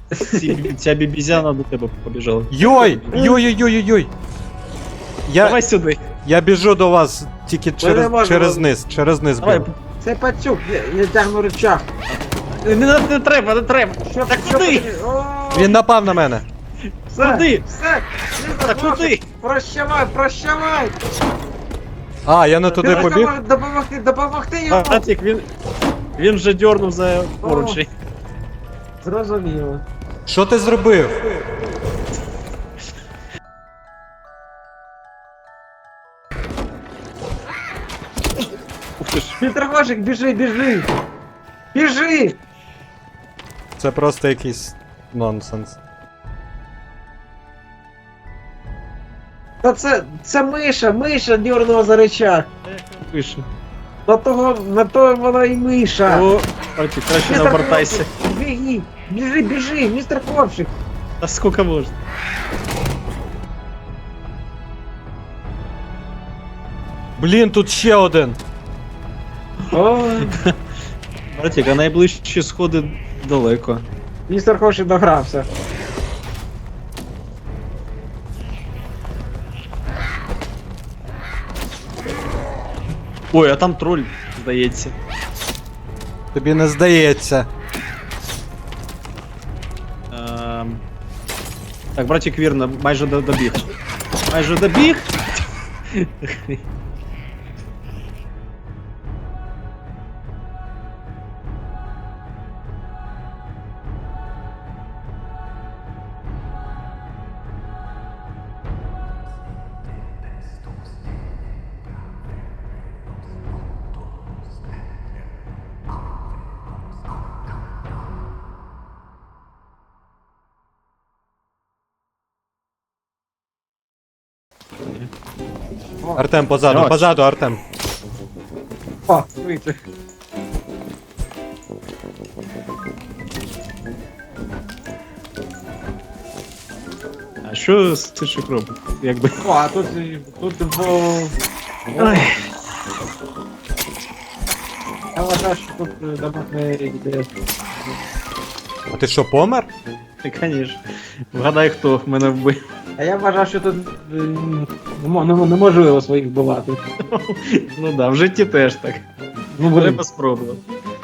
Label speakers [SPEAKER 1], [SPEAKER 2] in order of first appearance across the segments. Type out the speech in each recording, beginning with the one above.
[SPEAKER 1] Ця бібізяна до тебе побіжала.
[SPEAKER 2] Йой! Йой-йой-йой-йой!
[SPEAKER 1] Давай сюди.
[SPEAKER 2] Я біжу до вас тільки
[SPEAKER 3] можемо.
[SPEAKER 2] через низ
[SPEAKER 1] Давай.
[SPEAKER 2] біжу.
[SPEAKER 3] Це пацюк, я тягну рычаг.
[SPEAKER 1] Не треба, не треба.
[SPEAKER 3] Що
[SPEAKER 1] Так
[SPEAKER 3] що
[SPEAKER 1] куди?
[SPEAKER 3] О,
[SPEAKER 2] Він напав на мене.
[SPEAKER 3] все,
[SPEAKER 1] Куди?
[SPEAKER 3] Все,
[SPEAKER 1] Так куди?
[SPEAKER 3] Прощавай, прощавай.
[SPEAKER 2] А, я не туди побіг?
[SPEAKER 3] Допомогти йому.
[SPEAKER 1] Братик, він вже дьорнув за поручень.
[SPEAKER 3] Зрозуміло.
[SPEAKER 2] Що ти зробив?
[SPEAKER 1] Ух ти ж.
[SPEAKER 3] Петрогожик, біжи, біжи. Біжи.
[SPEAKER 2] Це просто якийсь нонсенс.
[SPEAKER 3] Та це миша дьорнула за рычаг.
[SPEAKER 1] Пише.
[SPEAKER 3] На то вона і миша.
[SPEAKER 1] О, братик, краще не обертайся.
[SPEAKER 3] Біги, біжи, містер Хлопчик.
[SPEAKER 1] А скільки можна?
[SPEAKER 2] Блін, тут ще один.
[SPEAKER 3] Ой,
[SPEAKER 1] Братик, а найближчі сходи далеко.
[SPEAKER 3] містер Хлопчик догрався.
[SPEAKER 1] Ой, а там троль, здається.
[SPEAKER 2] Тобі не здається.
[SPEAKER 1] Так, братик, вірно, майже добіг. Майже добіг.
[SPEAKER 2] Артем, позаду,
[SPEAKER 1] Давай.
[SPEAKER 2] позаду, Артем.
[SPEAKER 3] О, вийти.
[SPEAKER 1] А що стишик робить? Якби.
[SPEAKER 3] О, а тут
[SPEAKER 1] Ой.
[SPEAKER 3] Я вважаю, що тут дамаг не йде.
[SPEAKER 2] А ти що, помер?
[SPEAKER 1] Конечно. Вгадай, хто мене вбив.
[SPEAKER 3] А я вважав, що тут неможливо своїх вбивати.
[SPEAKER 1] Ну да, в житті теж так.
[SPEAKER 3] Ну, блин.
[SPEAKER 1] Треба спробувати.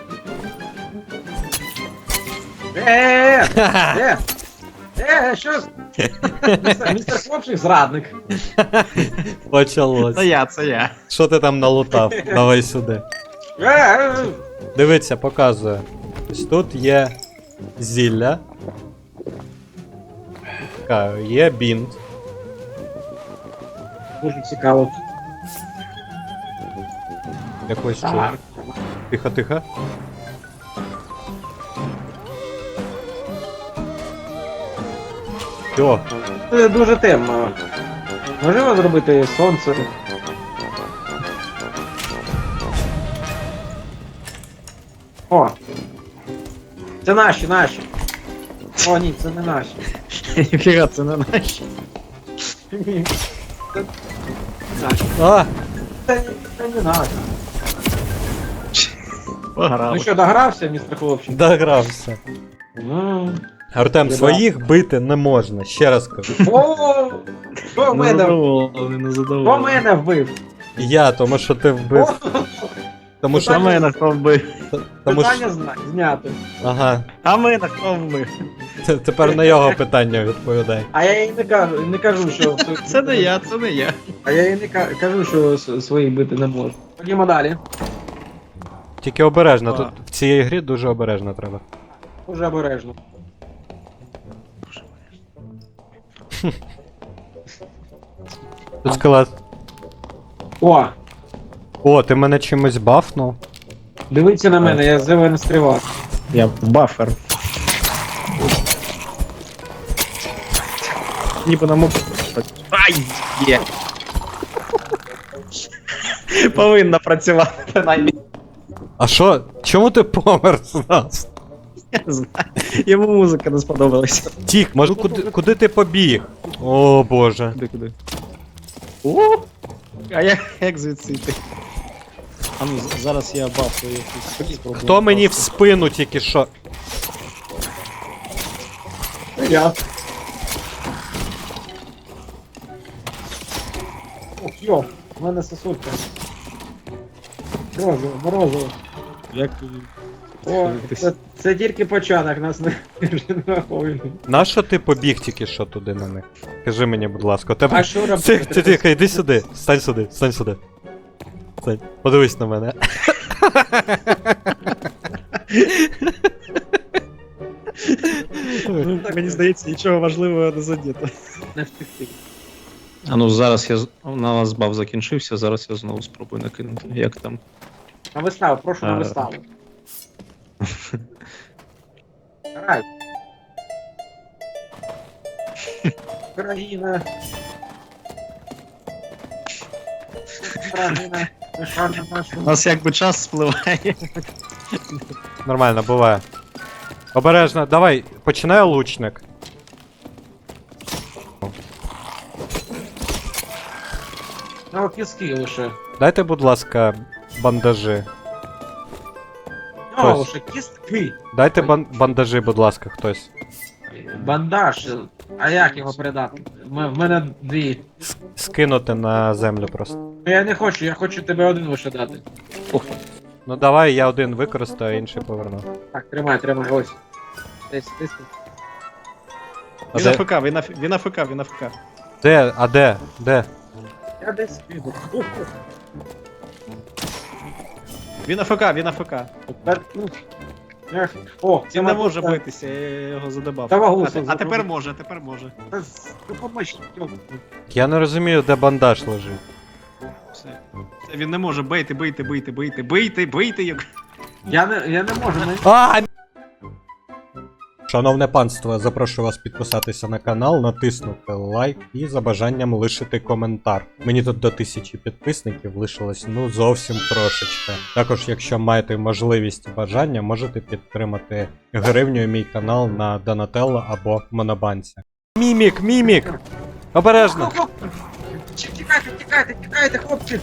[SPEAKER 3] Що? Містер Хлопчик зрадник.
[SPEAKER 2] Почалось.
[SPEAKER 1] Це я.
[SPEAKER 2] Що ти там налутав? Давай сюди. Дивіться, показує. Ось тут є зілля. Така, є бінт.
[SPEAKER 3] Дуже цікаво.
[SPEAKER 2] Якось
[SPEAKER 3] Так.
[SPEAKER 2] чую. Тихо, тихо. О,
[SPEAKER 3] Це дуже темно. Можливо зробити сонце. О! Це наші. О, ні, це не наші.
[SPEAKER 1] Ніфіга, це не наші.
[SPEAKER 3] Ні. Це наші.
[SPEAKER 2] а,
[SPEAKER 3] Це не наші.
[SPEAKER 1] Пограли.
[SPEAKER 3] Ну що, догрався, містер Хлопчик?
[SPEAKER 2] догрався.
[SPEAKER 3] Ну.
[SPEAKER 2] Артем,
[SPEAKER 3] Біда.
[SPEAKER 2] своїх бити не можна, ще раз кажу.
[SPEAKER 3] О! Хто мене?
[SPEAKER 1] Незадоволений,
[SPEAKER 3] Хто
[SPEAKER 1] незадоволений.
[SPEAKER 3] мене вбив?
[SPEAKER 2] Я, тому що ти вбив.
[SPEAKER 3] О,
[SPEAKER 2] Тому що.
[SPEAKER 1] А мене хто вбив?
[SPEAKER 2] Тому що.
[SPEAKER 3] питання знято.
[SPEAKER 2] Ага.
[SPEAKER 1] А мене хто вбив?
[SPEAKER 2] Тепер на його питання відповідай.
[SPEAKER 3] А я їй не кажу, що...
[SPEAKER 1] Це не я, це не я.
[SPEAKER 3] А я їй не кажу, що своїх бити не можу. Ходімо далі.
[SPEAKER 2] Тільки обережно,
[SPEAKER 1] А.
[SPEAKER 2] тут в цій грі дуже обережно треба.
[SPEAKER 3] Дуже обережно.
[SPEAKER 2] Тут скелет.
[SPEAKER 3] О!
[SPEAKER 2] О, ти мене чимось бафнув?
[SPEAKER 3] Дивіться на мене, я зелений стрілак.
[SPEAKER 1] Я в бафер. Ніби на моб... Ай, є. Повинна працювати, принаймні.
[SPEAKER 2] А що? Чому ти помер зразу?
[SPEAKER 1] Я не знаю. Йому музика не сподобалася.
[SPEAKER 2] Тік, може куди ти побіг? О боже.
[SPEAKER 1] Куди? О! А як звідси йти? А ну, зараз я бафую якусь спробую.
[SPEAKER 2] Хто мені в спину тільки що?
[SPEAKER 3] Я. Ох, йо, в мене сосулька. Морозиво, морозиво.
[SPEAKER 1] Як
[SPEAKER 3] О, це тільки початок, нас не враховує.
[SPEAKER 2] Нащо ти побіг тільки що туди на них? Кажи мені, будь ласка, у тебе.
[SPEAKER 3] А що робити?
[SPEAKER 2] Тихо, йди сюди. Стань сюди, стань сюди. Стань. Подивись на мене.
[SPEAKER 1] Мені здається, нічого важливого не задіто.
[SPEAKER 3] Не втекти.
[SPEAKER 1] А ну зараз у нас баф закінчився, зараз я знову спробую накинути. Як там?
[SPEAKER 3] На виставу, прошу на
[SPEAKER 1] А.
[SPEAKER 3] виставу. Грай. Україна. Україна. Пишана нашу.
[SPEAKER 1] У нас якби час спливає.
[SPEAKER 2] Нормально, буває. Обережно, давай, починай лучник.
[SPEAKER 3] Ну, кіски лише.
[SPEAKER 2] Дайте, будь ласка, бандажі.
[SPEAKER 3] Ну,
[SPEAKER 2] Ось.
[SPEAKER 3] лише кістки.
[SPEAKER 2] Дайте бандажі, будь ласка, хтось.
[SPEAKER 3] Бандаж. А як його передати? В мене дві.
[SPEAKER 2] Скинути на землю просто.
[SPEAKER 3] Я не хочу, я хочу тебе один лише дати.
[SPEAKER 2] Ну давай, я один використаю, а інший поверну.
[SPEAKER 3] Так, тримай, ось. Десь, десь.
[SPEAKER 2] А
[SPEAKER 1] Він
[SPEAKER 2] де?
[SPEAKER 1] АФК, він АФК, він АФК.
[SPEAKER 2] Де? А де? Де?
[SPEAKER 3] Я десь піду.
[SPEAKER 1] Він АФК, він АФК.
[SPEAKER 3] О,
[SPEAKER 1] Він не може битися, я його задебав.
[SPEAKER 3] Та вагу
[SPEAKER 1] А тепер може, тепер може.
[SPEAKER 3] Допоможь.
[SPEAKER 2] Я не розумію, де бандаж лежить.
[SPEAKER 1] Все. Все, він не може, бийте, як...
[SPEAKER 3] Я не можу, ми...
[SPEAKER 2] А! Шановне панство, запрошую вас підписатися на канал, натиснути лайк і за бажанням лишити коментар. Мені тут до 1000 підписників лишилось ну зовсім трошечки. Також, якщо маєте можливість і бажання, можете підтримати гривнею мій канал на Donatello або Монобанці. Мімік! Обережно!
[SPEAKER 3] Тікайте, хлопці!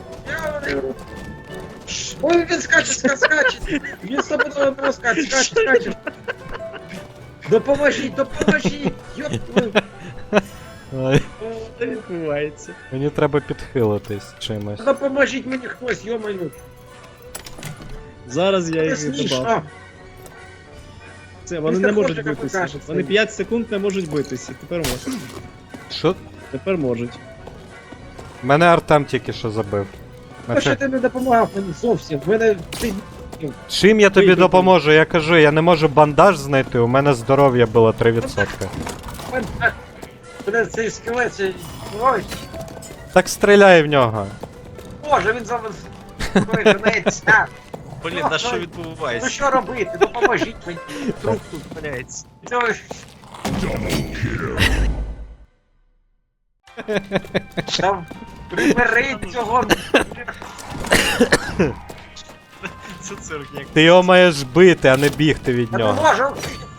[SPEAKER 3] Ой, він скаче! Він стопудово скаче! Допоможіть! Йоп!
[SPEAKER 2] Ай,
[SPEAKER 1] Що відбувається?
[SPEAKER 2] мені треба підхилитись чимось.
[SPEAKER 3] Допоможіть мені хтось, йо-моє!
[SPEAKER 1] Зараз я
[SPEAKER 3] Це
[SPEAKER 1] їх
[SPEAKER 3] смішно!
[SPEAKER 1] задебав. Це, вони
[SPEAKER 3] Містер
[SPEAKER 1] не можуть
[SPEAKER 3] Хлопчик
[SPEAKER 1] битися.
[SPEAKER 3] покаже
[SPEAKER 1] Вони
[SPEAKER 3] це.
[SPEAKER 1] 5 секунд не можуть битися. Тепер можуть.
[SPEAKER 2] Що?
[SPEAKER 1] Тепер можуть.
[SPEAKER 2] Мене Артем тільки що забив.
[SPEAKER 3] А що ти не допомагав мені зовсім? В мене... Ти...
[SPEAKER 2] Чим я тобі
[SPEAKER 1] Вийди,
[SPEAKER 2] допоможу? Я кажу, я не можу бандаж знайти, у мене здоров'я було 3%.
[SPEAKER 3] Мене цей скелет, цей... Ой,
[SPEAKER 2] Так стріляй в нього.
[SPEAKER 3] Боже, він зараз... Ой, женеться!
[SPEAKER 1] Блін,
[SPEAKER 3] а що
[SPEAKER 1] відбувається?
[SPEAKER 3] Ну що робити? Допоможіть мені!
[SPEAKER 1] Труп тут валяється.
[SPEAKER 3] Це ж- Там прибери цього.
[SPEAKER 1] Це цирк як.
[SPEAKER 2] Ти його маєш бити, а не бігти від
[SPEAKER 3] Я не
[SPEAKER 2] нього.
[SPEAKER 3] можу.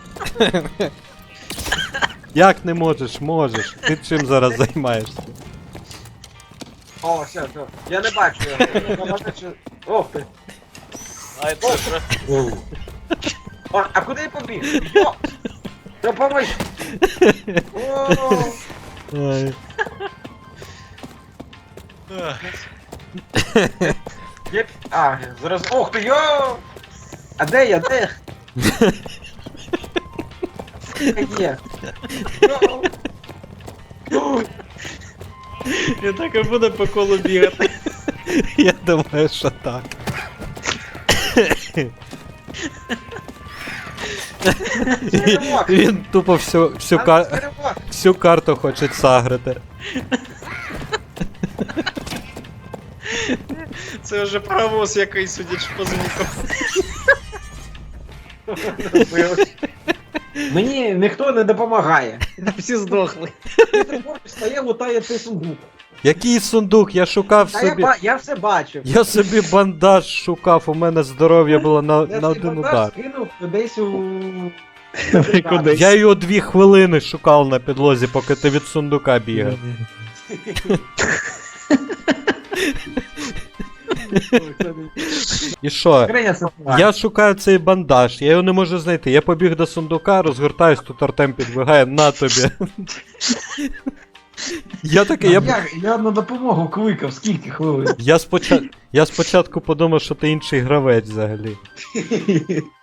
[SPEAKER 2] Як не можеш? Можеш. Ти чим зараз займаєшся?
[SPEAKER 3] О, все. Я не бачу його. Ох ти. О, а куди я побіг? О! Допоможь! О!
[SPEAKER 2] Ай.
[SPEAKER 3] А, зараз. Ох ти, йо! А де я? Де? Є. Йо! Йо!
[SPEAKER 1] Я так і буду по колу бігати.
[SPEAKER 2] Я думаю, що так.
[SPEAKER 3] Перемог!
[SPEAKER 2] Він тупо всю карту хоче сагрити.
[SPEAKER 1] Це вже паровоз якийсь, судячи по звуку.
[SPEAKER 3] Мені ніхто не допомагає.
[SPEAKER 1] Всі здохли.
[SPEAKER 3] Стає, лутає цей сундук.
[SPEAKER 2] Який сундук? Я шукав
[SPEAKER 3] Та
[SPEAKER 2] собі.
[SPEAKER 3] я все бачив.
[SPEAKER 2] Я собі бандаж шукав, у мене здоров'я було на
[SPEAKER 3] Я цей
[SPEAKER 2] один
[SPEAKER 3] бандаж
[SPEAKER 2] удар.
[SPEAKER 3] скинув десь у...
[SPEAKER 1] Кудись.
[SPEAKER 2] Я його 2 хвилини шукав на підлозі, поки ти від сундука бігав. І що?
[SPEAKER 3] Скриня сапога.
[SPEAKER 2] Я шукаю цей бандаж, я його не можу знайти. Я побіг до сундука, розгортаюсь, тут Артем підбігає, на тобі. Я такий,
[SPEAKER 1] Я на допомогу кликав, скільки хвилин.
[SPEAKER 2] я спочатку подумав, що ти інший гравець взагалі.